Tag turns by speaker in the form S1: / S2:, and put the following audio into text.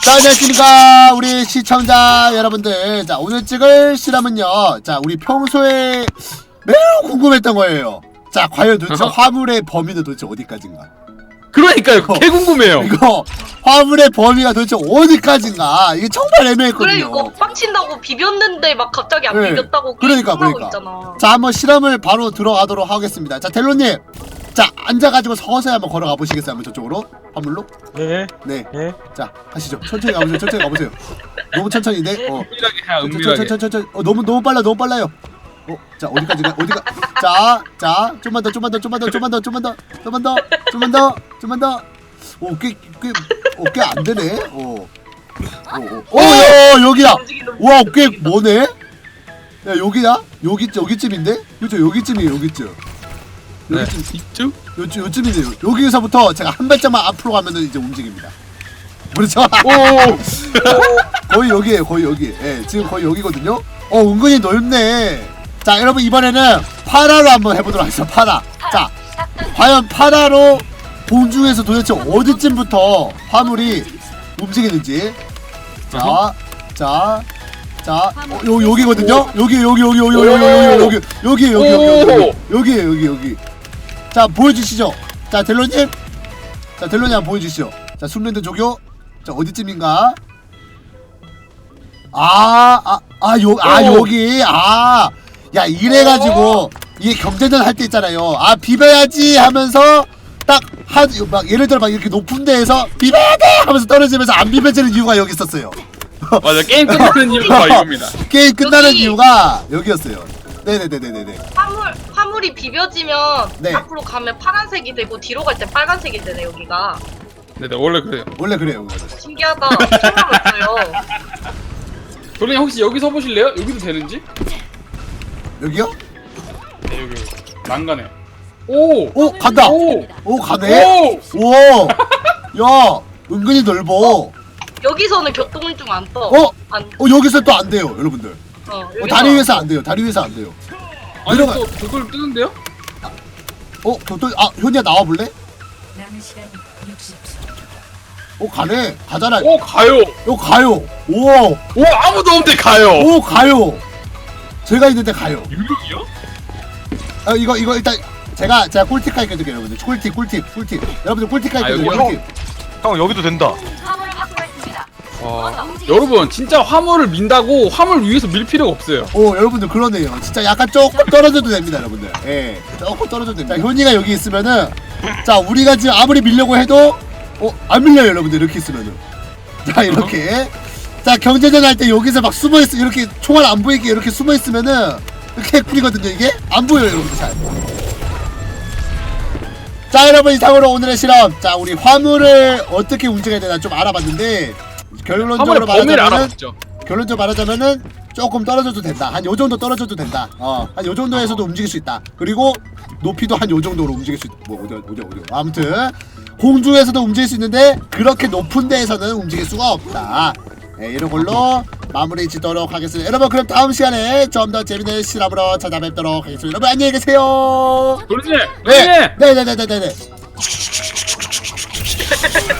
S1: 자, 안녕하십니까 우리 시청자 여러분들. 자, 오늘 찍을 실험은요, 자, 우리 평소에 매우 궁금했던 거예요. 자, 과연 도대체 화물의 범위는 도대체 어디까지인가?
S2: 그러니까요. 개 궁금해요.
S1: 이거 화물의 범위가 도대체 어디까지인가? 이게 정말 애매했거든요.
S3: 그래 이거 빡친다고 비볐는데 막 갑자기 안
S1: 네.
S3: 비볐다고
S1: 그러니까.
S3: 있잖아.
S1: 자, 한번 실험을 바로 들어가도록 하겠습니다. 자, 델로님, 자, 앉아가지고 서서히 한번 걸어가 보시겠어요? 한번 저쪽으로 화물로?
S4: 네.
S1: 네.
S4: 네.
S1: 자, 하시죠. 천천히 가보세요. 천천히 가보세요. 너무 천천히인데?
S2: 은밀하게 해, 은밀하게.
S1: 천천히. 너무 빨라요. 자, 어디까지가? 어디가? 자, 좀만 더. 오, 꽤 안 되네. 야, 여기야. 와, 꽤 뭐네? 야, 여기야? 여기쯤인데? 그죠? 여기쯤이에요, 여기쯤.
S2: 네. 이쪽?
S1: 요쯤이네요. 여기서부터 제가 한 발짝만 앞으로 가면은 이제 움직입니다. 그렇죠?
S2: 오!
S1: 거의 여기에요, 거의 여기. 예, 지금 거의 여기거든요. 은근히 넓네. 자, 여러분, 이번에는 파라로 한번 해보도록 하겠습니다. 파라. 자, 과연 파라로 공중에서 도대체 어디쯤부터 화물이 움직이는지. 여기거든요. 여기. 자, 보여주시죠. 자, 델로님 한번 보여주시죠. 자, 숨랜드 조교. 자, 어디쯤인가? 여기. 야, 이래가지고 이게 경제전 할 때 있잖아요. 비벼야지 하면서 딱 막 예를 들어 막 이렇게 높은 데에서 비벼야 돼 하면서 떨어지면서 안 비벼지는 이유가 여기 있었어요.
S2: 맞아, 게임 끝나는 이유가 이겁니다.
S1: 게임 끝나는 이유가 여기였어요. 네네네네네.
S3: 화물이 비벼지면
S1: 네.
S3: 앞으로 가면 파란색이 되고 뒤로 갈 때 빨간색이 되네 여기가.
S2: 네네, 원래 그래요.
S1: 원래 그래요.
S3: 신기하다. 처음 알았어요.
S2: 도련님 혹시 여기 서 보실래요? 여기도 되는지?
S1: 여기요?
S2: 네, 여기. 난간에. 오!
S1: 간다.
S2: 오!
S1: 가네.
S2: 오!
S1: 야, 은근히 넓어.
S3: 여기서는 교통운중 안 떠.
S1: 여기서 또 안 돼요, 여러분들. 다리 위에서 안 돼요.
S2: 아니,
S1: 내려가.
S2: 또 그걸 뜨는데요?
S1: 현이야 나와 볼래? 가네. 가잖아.
S2: 오, 가요!
S1: 가요.
S2: 오, 아무도 없는데 가요!
S1: 가요. 제가 있는데 가요.
S2: 유령이요?
S1: 이거 일단 제가 꿀팁 가르쳐줄게요, 여러분들. 꿀팁. 여러분들 꿀팁 가르쳐줄게요.
S2: 여기요?
S4: 형 여기도 된다.
S2: 여러분, 진짜 화물을 민다고 화물 위에서 밀 필요가 없어요.
S1: 여러분들 그러네요. 진짜 약간 조금 떨어져도 됩니다, 여러분들. 예, 조금 떨어져도 됩니다. 자, 현이가 여기 있으면은, 자, 우리가 지금 아무리 밀려고 해도 안 밀려요, 여러분들. 이렇게 있으면은. 자, 이렇게. 자, 경제전 할 때 여기서 막 숨어있어. 이렇게 총알 안 보이게 이렇게 숨어있으면은 이렇게 꿀이거든요, 이게? 안 보여요, 여러분들 잘. 자, 여러분, 이상으로 오늘의 실험. 자, 우리 화물을 어떻게 움직여야 되나 좀 알아봤는데,
S2: 화물의 범위를 알아봤죠.
S1: 결론적으로 말하자면은 조금 떨어져도 된다. 한 요정도 떨어져도 된다. 한 요정도에서도 움직일 수 있다. 그리고 높이도 한 요정도로 움직일 수 있다. 어디. 아무튼 공중에서도 움직일 수 있는데 그렇게 높은 데에서는 움직일 수가 없다. 네, 이런 걸로 마무리 짓도록 하겠습니다. 여러분, 그럼 다음 시간에 좀 더 재밌는 실험으로 찾아뵙도록 하겠습니다. 여러분, 안녕히 계세요.
S2: 도련님!
S1: 네네네네네.